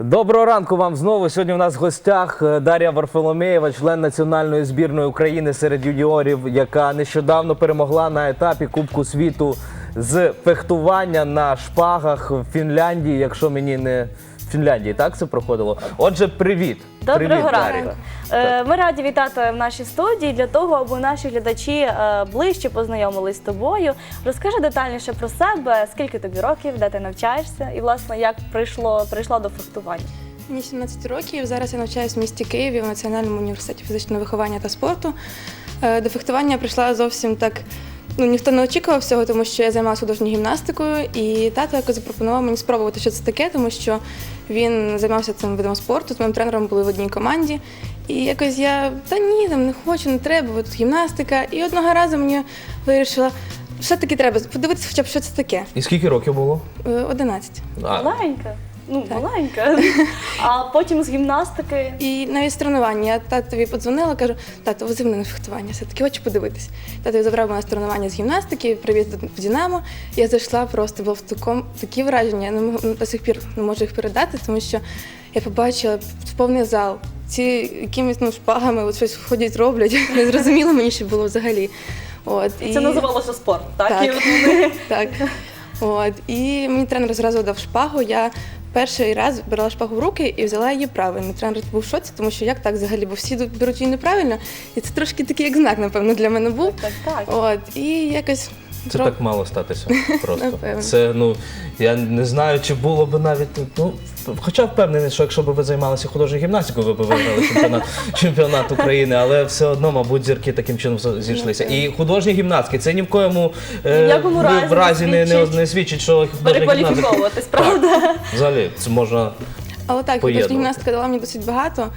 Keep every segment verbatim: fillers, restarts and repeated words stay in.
Доброго ранку вам знову. Сьогодні у нас в гостях Дар'я Варфоломєєва, член національної збірної України серед юніорів, яка нещодавно перемогла на етапі Кубку світу з фехтування на шпагах в Фінляндії, якщо мені не... В Фінляндії, так це проходило? Отже, привіт. Доброго привіт, ранку. Дар'я. Ми раді вітати в нашій студії для того, аби наші глядачі ближче познайомились з тобою. Розкажи детальніше про себе, скільки тобі років, де ти навчаєшся і, власне, як прийшло, прийшла до фехтування. Мені сімнадцять років, зараз я навчаюсь в місті Києві в Національному університеті фізичного виховання та спорту. До фехтування я прийшла зовсім так, ну, ніхто не очікував всього, тому що я займалася художньою гімнастикою, і тато якось запропонував мені спробувати, що це таке, тому що він займався цим видом спорту, з моїм тренером були в одній команді. І якось я, та ні, там не хочу, не треба, бо тут гімнастика. І одного разу мені вирішила, все-таки треба подивитися хоча б, що це таке. І скільки років було? одинадцять. А. Маленька. Ну, Так. маленька. А потім з гімнастики. І навіть з тренування. Я татові подзвонила, кажу, тато, вези мене на фехтування, все-таки хочу подивитись. Тато забрав мене з тренування з гімнастики, привіз в Динамо. Я зайшла, просто було в такому, такі враження, я не можу, до сих пір не можу їх передати, тому що я побачила повний зал, ці якимись ну, шпагами от щось ходять, роблять, не зрозуміло мені, що було взагалі. От, І це називалося спорт, так? Так. І от вони... так. От, і мені тренер зразу дав шпагу, я перший раз брала шпагу в руки і взяла її правильно. Тренер був в шоці, тому що як так взагалі, бо всі беруть її неправильно. І це трошки такий як знак, напевно, для мене був. Так, так. От, і якось... Це так мало статися просто. Напевно. Це, ну, я не знаю, чи було б навіть, ну, хоча впевнений, що якщо б ви займалися художньою гімнастикою, ви б виграли чемпіонат, чемпіонат України, але все одно, мабуть, зірки таким чином зійшлися. І художні гімнастки, це ні в коєму е, Ні в якому разі в разі не, не, свідчить. не свідчить, що художня гімнастика... Перекваліфіковуватись, правда? Взагалі, це можна Але так, художня поєднувати. гімнастика дала мені досить багато.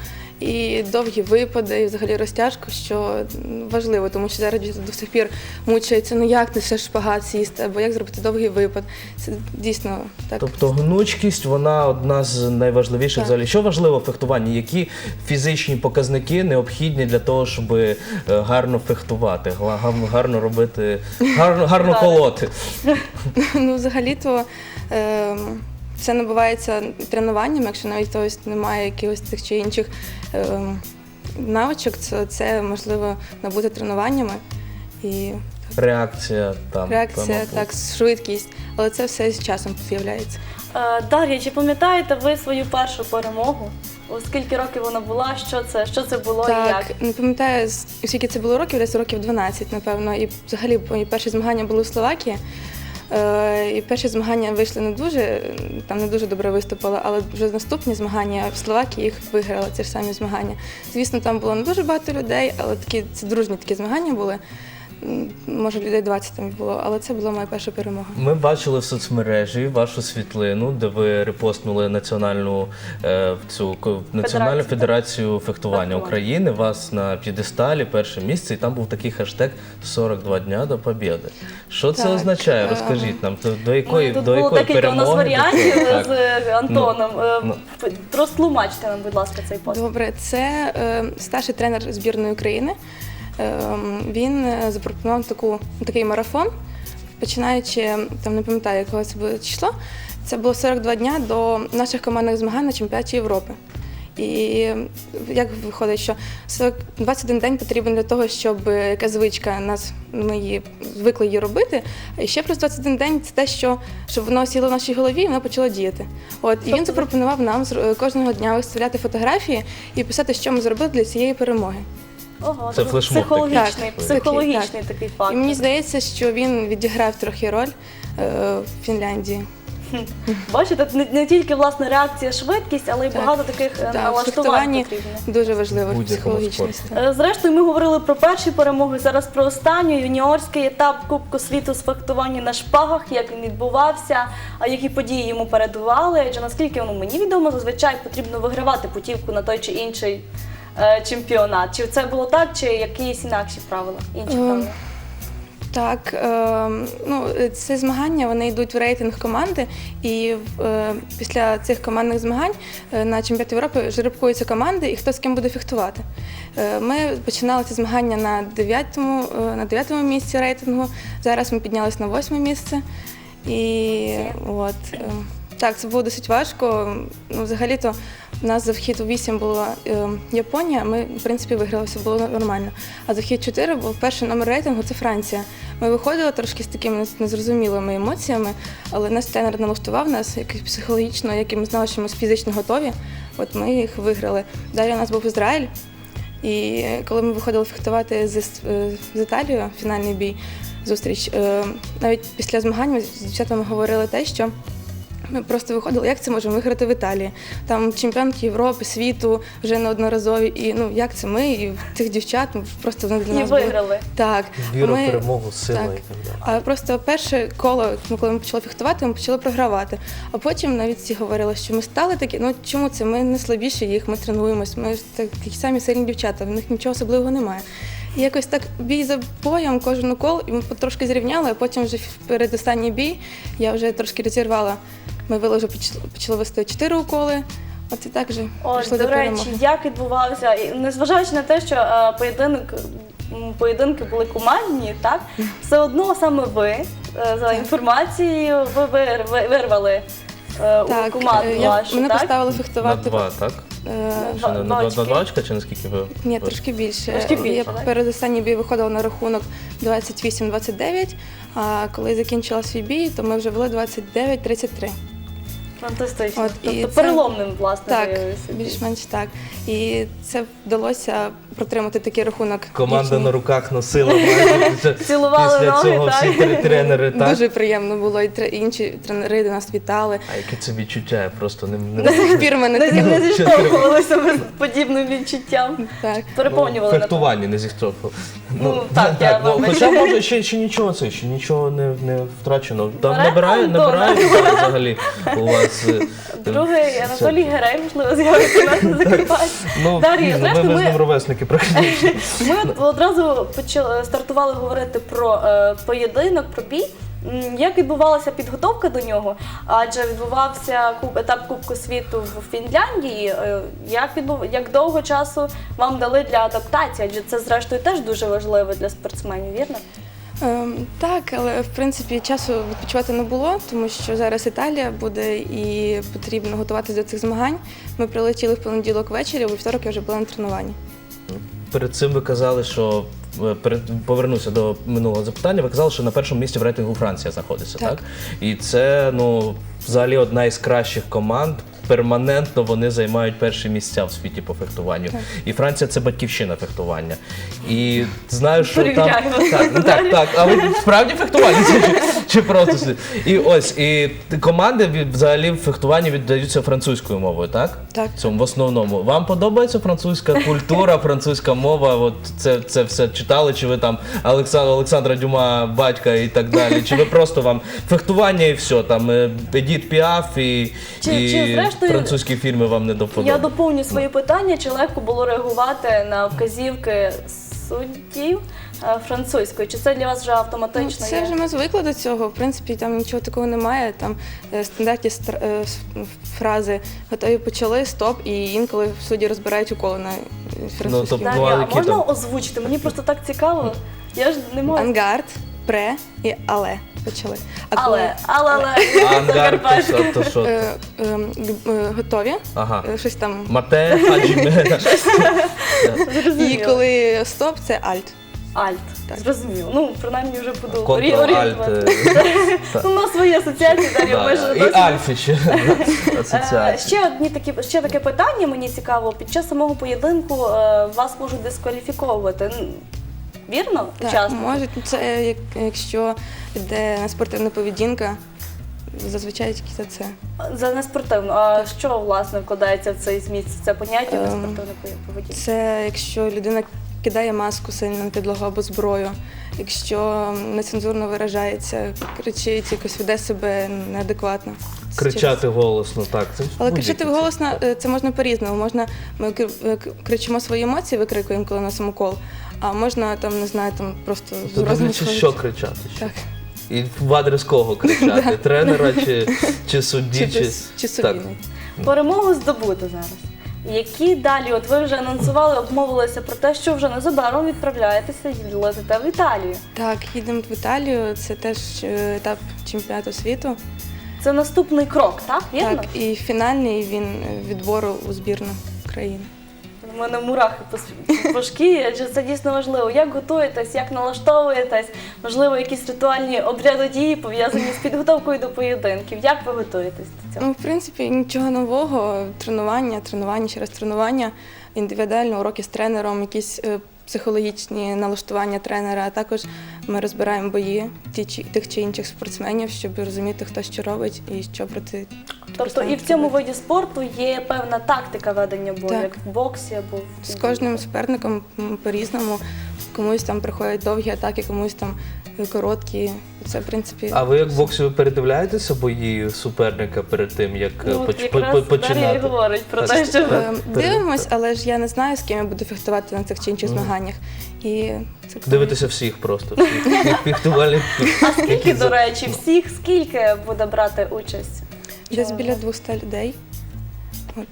І довгі випади, і взагалі розтяжку, що важливо, тому що зараз діти до сих пір мучаються, ну як ти ще шпагат сісти, або як зробити довгий випад. Це дійсно так. Тобто гнучкість, вона одна з найважливіших Так. взагалі. Що важливо в фехтуванні? Які фізичні показники необхідні для того, щоб е, гарно фехтувати, гла- гам- гарно робити, гарно, гарно колоти? Ну, взагалі-то е, це набувається тренуванням, якщо навіть хтось немає якихось тих чи інших е, навичок, то це можливо набути тренуваннями. І Реакція там. реакція, мабуть. так, швидкість, але це все з часом з'являється. Е, Дар'я, чи пам'ятаєте ви свою першу перемогу? О, скільки років вона була, що це, що це було і як? Так, не пам'ятаю, з- скільки це було років, десь років дванадцять, напевно. І взагалі мої перші змагання були в Словакії. Е, І перші змагання вийшли не дуже, там не дуже добре виступила, але вже наступні змагання в Словакії їх виграла, ці ж самі змагання. Звісно, там було не дуже багато людей, але такі це дружні такі змагання були. М, Може, людей двадцять там було, але це була моя перша перемога. Ми бачили в соцмережі вашу світлину, де ви репостнули національну е, цю ко- національну Федерацію. федерацію фехтування Фехтування. України. Вас на п'єдесталі перше місце, і там був такий хештег сорок два дня до побєди. Що це Так, означає? е, Розкажіть нам, до, до якої Ну, тут до було якої декілька у нас перемоги? варіантів до цього? з Так. е, Антоном. Е, ну. Розтлумачте нам, будь ласка, цей пост. Добре, це е, старший тренер збірної України. Е, він е, запропонував таку, такий марафон, починаючи, там не пам'ятаю, якого це було число, це було сорок два дня до наших командних змагань на чемпіонаті Європи. І як виходить, що сорок двадцять один день потрібен для того, щоб якась звичка нас, ми її звикли її робити, і ще плюс двадцять один день це те, що щоб воно сіло в нашій голові і воно почало діяти. От і він Тобто- запропонував нам зр- кожного дня виставляти фотографії і писати, що ми зробили для цієї перемоги. Ого, Це це флешмоб такий. психологічний, Так, психологічний такий факт. І мені здається, що він відіграв трохи роль е, в Фінляндії. Бачите, не, не тільки власне реакція, швидкість, але й Так. багато таких е, Так, в налаштувань фехтуванні потрібно. дуже важливо Будь-якому психологічний спорті. стан. Е, Зрештою, ми говорили про перші перемоги, зараз про останню юніорський етап Кубку світу з фехтування на шпагах, як він відбувався, а які події йому передували. Адже наскільки воно мені відомо, зазвичай потрібно вигравати путівку на той чи інший е, чемпіонат. Чи це було так, чи якісь інакші правила? Інші Ем, правила? Так, е, ну, ці змагання вони йдуть в рейтинг команди, і е, після цих командних змагань е, на чемпіонаті Європи жеребкуються команди і хто з ким буде фехтувати. Е, ми починали ці змагання на дев'ятому, е, на дев'ятому місці рейтингу, зараз ми піднялися на восьме місце. І от, е, Так, це було досить важко. Ну, взагалі-то у нас за вхід у вісім була е, Японія, ми, в принципі, виграли, все було нормально. А за вхід чотири був перший номер рейтингу – це Франція. Ми виходили трошки з такими незрозумілими емоціями, але наш тренер налаштував нас якось психологічно, як і ми знали, що ми фізично готові. От ми їх виграли. Далі у нас був Ізраїль, і коли ми виходили фехтувати з, з Італією, фінальний бій, зустріч, е, навіть після змагань ми з дівчатами говорили те, що ми просто виходили, як це можемо виграти в Італії. Там чемпіонки Європи, світу вже неодноразові. І ну як це ми і цих дівчат ми просто вони для І нас були. виграли. Так. Віра, Ми- перемогу, сила так. і так далі. А просто перше коло, ну, коли ми почали фехтувати, ми почали програвати. А потім навіть всі говорили, що ми стали такі, ну чому це? Ми не слабіші їх, ми тренуємось, ми ж такі самі сильні дівчата, в них нічого особливого немає. І якось так бій за боєм, кожен укол, і ми трошки зрівняли, а потім вже перед останній бій я вже трошки розірвала. Ми вели вже поч- почали вести чотири уколи, от і так вже Ось, пішли до до перемоги. речі, як відбувався, і незважаючи на те, що е, поєдинок, м, поєдинки були командні, так, все одно саме ви, е, за інформацією, ви вир, ви- вирвали е, у Так, команду е, я, вашу, мене так? поставили На фехтувати. два, так? е, Чи на, на, два, очки. на два очка, чи наскільки ви? Ні, ви- трошки більше. Трошки більше, Я так? перед останній бій виходила на рахунок двадцять вісім двадцять дев'ять, а коли закінчила свій бій, то ми вже вели двадцять дев'ять тридцять три. Фантастично. От, і Тобто це- переломним, власне, Так, виявився бій. більш-менш так. І це вдалося протримати такий рахунок. Команда дівчині. на руках носила майже після, Цілували після ноги, цього всі так? три тренери, так? Дуже приємно було, і тре- інші тренери до нас вітали. А яке це відчуття? Я просто не, не До сих пір мене Не, таке. не зіштовхувалися ми з подібним відчуттям. Так. Переповнювали Ну, на фехтування не зіхтофав. Ну, так, я ну, вибачаю. хоча може ще, ще нічого це, ще нічого не, не втрачено. Там Бере набирає, Антона. набирає взагалі у вас. е, Другий Анатолій Герей, можливо, з'явиться у нас на Закарпатті. Ну, Дар'я, пізно, зрештою, ви, ви з ми- ним ровесники практично. Ми от одразу почали стартували говорити про е, поєдинок, про бій. М, Як відбувалася підготовка до нього? Адже відбувався куб, етап Кубку світу в Фінляндії. Е, Як відбув, як довго часу вам дали для адаптації? Адже це зрештою теж дуже важливо для спортсменів, вірно? Ем, так, але в принципі часу відпочивати не було, тому що зараз Італія буде і потрібно готуватися до цих змагань. Ми прилетіли в понеділок ввечері, у вівторок я вже була на тренуванні. Перед цим ви казали, що е, перед повернуся до минулого запитання. Ви казали, що на першому місці в рейтингу Франція знаходиться, так? Так. І це ну взагалі одна із кращих команд. Перманентно вони займають перші місця в світі по фехтуванню. І Франція це батьківщина фехтування. І знаю, що там Перевіряємо. так, ну, так, так. А ви справді фехтування чи, чи просто си- і ось і команди від- взагалі в фехтуванні віддаються французькою мовою, так? Так. Цьому в основному. Вам подобається французька культура, французька мова? От це, це все читали? Чи ви там Олександра, Олександра Дюма, батька і так далі? Чи ви просто вам фехтування і все? Там е, Едіт Піаф і, Чи- і чи зрештою- французькі фільми вам не до вподоби? Я доповню свої питання, чи легко було реагувати на вказівки суддів е, французькою? Чи це для вас вже Ну, автоматично це є? вже ми звикли до цього. В принципі, там нічого такого немає. Там е, стандартні стр- е, с- фрази готові почали, стоп, і інколи судді розбирають уколи на е, французькій тобто, мові. Дар'я, бували а можна які там? озвучити? Мені просто так цікаво. Я ж не можу. Ангард, пре і але почали. А Але, але, але, А ангар, Закарпатська. то, то що? е, е, г- е, готові, Ага. е, щось там. Мате, Хаджіме. І Зрозуміло. коли стоп, це альт. Альт. Так. Зрозуміло. Ну, принаймні вже буду Контрол-альт. орієнтувати. е, Ну, у нас свої асоціації, Дар'я, ми ж да, І досить- Альфі ще. Е, Асоціація. Ще одні такі ще таке питання мені цікаво. Під час самого поєдинку е, вас можуть дискваліфіковувати. М, Вірно? Так, Учасники? можуть, це як- якщо йде спортивна поведінка, зазвичай тільки за це. За неспортивну. А що власне вкладається в цей зміст? Це поняття Ем, неспортивної поведінки? Це якщо людина кидає маску сильно на підлогу або зброю, якщо нецензурно виражається, кричить, якось веде себе неадекватно. Це Кричати голосно, так. Це Але будь-які кричати це. голосно е, це можна по-різному. Можна ми кр- е, к- кричимо свої емоції, викрикуємо, коли на самокол, а можна там, не знаю, там просто з То розміру. дивлячись, що кричати. ще. Так. І в адрес кого кричати? Тренера чи, чи судді? Чи, Чи, без- чи собі Так. навіть. Перемогу здобуто зараз. Які далі? От ви вже анонсували, обмовилися про те, що вже незабаром відправляєтеся і летите в Італію. Так, їдемо в Італію, це теж е, етап чемпіонату світу. Це наступний крок, так? Вірно? Так, і фінальний він відбору у збірну країни. У мене мурахи по, с- по шкірі, адже це дійсно важливо. Як готуєтесь, як налаштовуєтесь? Можливо, якісь ритуальні обряди дії пов'язані з підготовкою до поєдинків. Як ви готуєтесь до цього? Ну, в принципі, нічого нового. Тренування, тренування, ще раз тренування, індивідуально уроки з тренером, якісь е, психологічні налаштування тренера, а також ми розбираємо бої ті чи- тих чи інших спортсменів, щоб розуміти, хто що робить і що проти. Тобто і в цьому виді спорту є певна тактика ведення бою, Так. як в боксі або в З кожним суперником м, по-різному. Комусь там приходять довгі атаки, комусь там е, короткі. Це, в принципі, А ви як в боксі ви передивляєтеся бої суперника перед тим, як е, Ну, от поч- якраз по- по- Дар'я і починати? говорить про Так, те, що ви- Е, дивимось, але ж я не знаю, з ким я буду фехтувати на цих чи інших змаганнях. І це Дивитеся всіх просто, всіх фехтувальників. А скільки, до речі, всіх скільки буде брати участь? десь біля двохсот людей. От.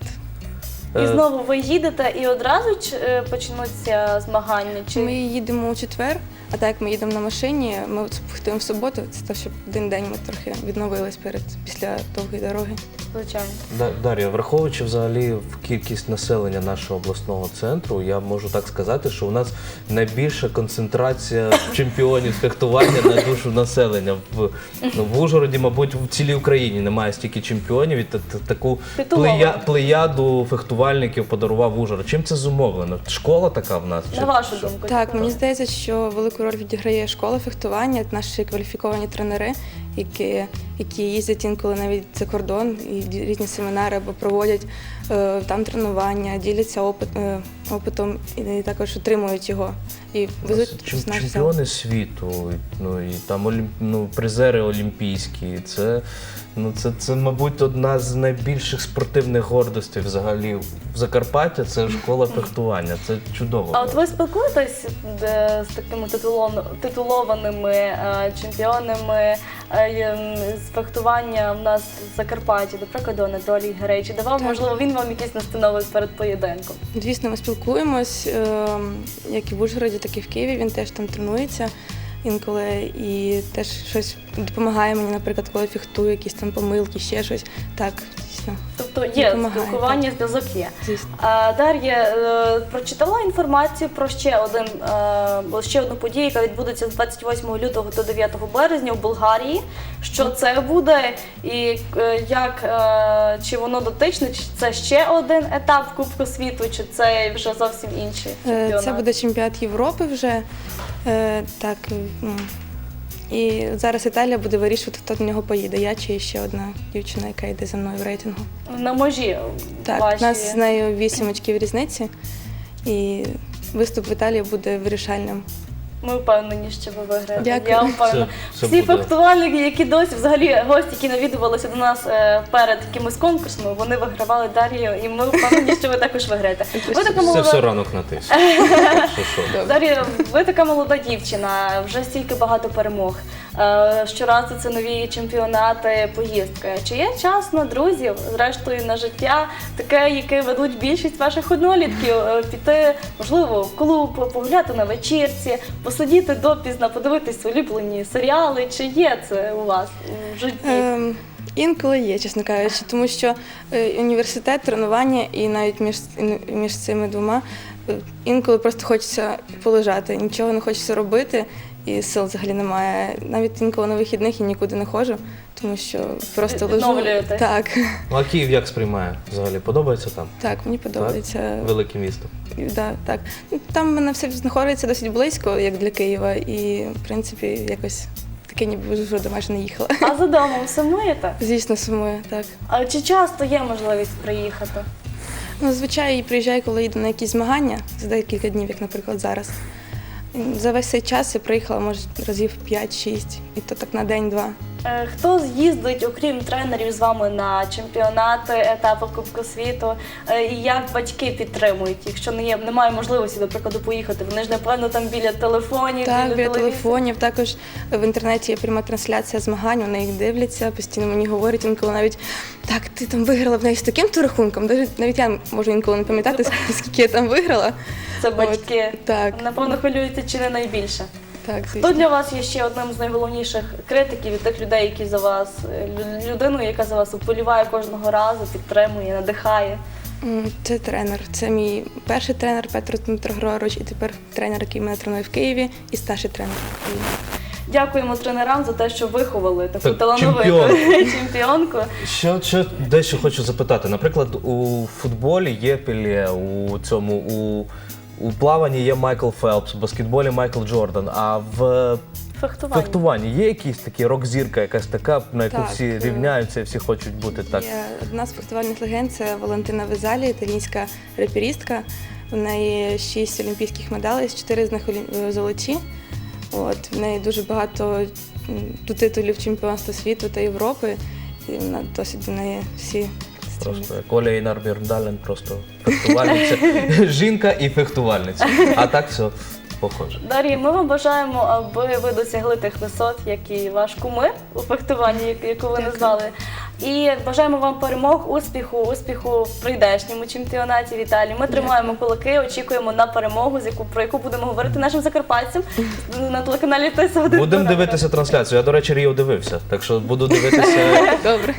І Е, знову ви їдете і одразу ч- е, почнуться змагання? Чи Ми їдемо у четвер, а так як ми їдемо на машині, ми от фехтуємо в суботу. Це те, щоб один день ми трохи відновились перед після довгої дороги. звичайно? Да- Дар'я, враховуючи взагалі в кількість населення нашого обласного центру, я можу так сказати, що у нас найбільша концентрація чемпіонів з фехтування на душу населення. В, ну, в Ужгороді, мабуть, в цілій Україні немає стільки чемпіонів, і та- та- таку Титулованих. плея, плеяду фехтувальників подарував Ужгород. Чим це зумовлено? Школа така в нас? На вашу що? думку? Так, чому? мені здається, що велику роль відіграє школа фехтування, наші кваліфіковані тренери, які, які їздять інколи навіть за кордон і ді- різні семінари або проводять е, там тренування, діляться опит, е, опитом і, і також отримують його. І У нас везуть чем- в наш зал. чемпіони світу, ну і там олім... ну, призери олімпійські. Це, ну, це, це, мабуть, одна з найбільших спортивних гордостей взагалі в Закарпаття. Це школа фехтування. Це чудово. А от ви спілкуєтесь е, з такими титулон- титулованими е, чемпіонами е, ем, з фехтування в нас в Закарпатті, до прикладу, Анатолій Герей, чи давав, Так. можливо, він вам якісь настанови перед поєдинком? Звісно, ми спілкуємось, е, як і в Ужгороді, так і в Києві. Він теж там тренується інколи і теж щось допомагає мені, наприклад, коли фехтую, якісь там помилки, ще щось. Так, дійсно, Тобто є Допомагає, спілкування, зв'язок є. звісно. А, Дар'я е, прочитала інформацію про ще один е, ще одну подію, яка відбудеться з двадцять восьмого лютого до дев'ятого березня в Болгарії. Що це буде і е, як е, чи воно дотичне, чи це ще один етап Кубку світу, чи це вже зовсім інший Е, чемпіонат? Це буде чемпіонат Європи вже. Е, Так, ну, і зараз Італія буде вирішувати, хто до нього поїде. Я чи ще одна дівчина, яка йде за мною в рейтингу. на межі Так, ваші. у нас з нею вісім очків різниці, і виступ в Італії буде вирішальним. Ми впевнені, що ви виграєте. Дякую. Я впевнена. Це- це Всі буде. фехтувальники, які досі, взагалі гості, які навідувалися до нас е, перед якимось конкурсами, вони вигравали Дар'ю, і ми впевнені, що ви також виграєте. Ви така Це молода, все ранок на тиск. Що, що? Дар'я, ви така молода дівчина, вже стільки багато перемог. Е, Щоразу це нові чемпіонати, поїздки. Чи є час на друзів, зрештою на життя, таке, яке ведуть більшість ваших однолітків, е, піти, можливо, в клуб, погуляти на вечірці, посидіти допізно, подивитись улюблені серіали? Чи є це у вас в житті? Ем, інколи є, чесно кажучи, тому що е, університет, тренування і навіть між, між цими двома е, інколи просто хочеться полежати, нічого не хочеться робити, і сил взагалі немає. Навіть інколи на вихідних я нікуди не ходжу, тому що просто лежу. Відновлюєтесь? Так, Ну, а Київ як сприймає? Взагалі подобається там? так, мені подобається. Велике місто. Да, так. Ну, там в мене все знаходиться досить близько, як для Києва, і в принципі якось таке ніби вже до майже не їхала. А за домом сумуєте? Звісно, сумую, так. А чи часто є можливість приїхати? Ну, звичайно, приїжджаю, коли їду на якісь змагання за декілька днів, як, наприклад, зараз. За весь цей час я приїхала, може, разів п'ять-шість, і то так на день-два. Е, Хто з'їздить, окрім тренерів, з вами на чемпіонати, етапи Кубку світу? Е, І як батьки підтримують, якщо не є, немає можливості, до прикладу, поїхати? Вони ж, напевно, там біля телефонів, Так, біля телевізорів. телефонів. Також в інтернеті є пряма трансляція змагань, вони їх дивляться, постійно мені говорять, інколи навіть так, ти там виграла в неї з таким-то рахунком. Навіть, навіть я можу інколи не пам'ятати, скільки я там виграла. Це батьки. От, так. Напевно, хвилюються чи не найбільше. Так, Хто звісно. для вас є ще одним з найголовніших критиків і тих людей, які за вас, е, лю- людиною, яка за вас вболіває кожного разу, підтримує, надихає? М, Це тренер. Це мій перший тренер Петро Дмитро Григорович, і тепер тренер, який мене тренує в Києві, і старший тренер в Києві. Дякуємо тренерам за те, що виховали таку Так, талановиту чемпіон. чемпіонку. Що, що дещо хочу запитати. Наприклад, у футболі є Пеле, у цьому у, у плаванні є Майкл Фелпс, в баскетболі Майкл Джордан. А в Фехтування. фехтуванні є якісь такі рок-зірка, якась така, на яку Так, всі е, рівняються, всі хочуть бути так. Є одна з фехтувальних легенд, це Валентина Везалі, італійська реперістка. У неї шість олімпійських медалей, чотири з них олі- золоті. От, в неї дуже багато м, титулів чемпіонства світу та Європи. І вона досить до неї всі Просто як Оля Інар Бєрндален, просто фехтувальниця. Жінка і фехтувальниця. А так все похоже. Дар'я, ми вам бажаємо, аби ви досягли тих висот, як і ваш кумир у фехтуванні, як- яку ви назвали. І бажаємо вам перемог, успіху, успіху в прийдешньому чемпіонаті в Італії. Ми тримаємо кулаки, очікуємо на перемогу, з яку про яку будемо говорити нашим закарпатцям на телеканалі Тис один. Будемо дивитися трансляцію. Я, до речі, Ріо дивився, так що буду дивитися. добре.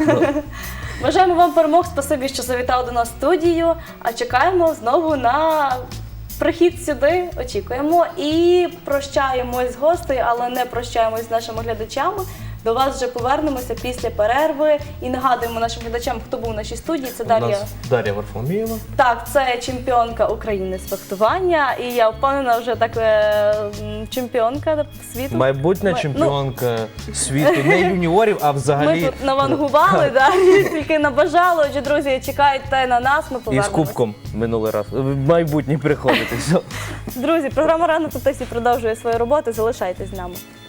Бажаємо вам перемог. Спасибі, що завітали до нас в студію. А чекаємо знову на прихід сюди. Очікуємо і прощаємось з гостею, але не прощаємось з нашими глядачами. До вас вже повернемося після перерви і нагадуємо нашим глядачам, хто був в нашій студії. Це У Дар'я. нас Дар'я Варфоломієва. Так, це чемпіонка України з фехтування, і я впевнена, вже так е, м, чемпіонка світу. Майбутня Ми- ну, чемпіонка світу, не юніорів, а Ми взагалі тут навангували, да, тільки набажали. Отже, друзі, чекайте на нас, ми і з повернемось. кубком минулий раз. Майбутній приходити. Все. Друзі, програма «Ранок у Тисі» продовжує свою роботу. Залишайтесь з нами.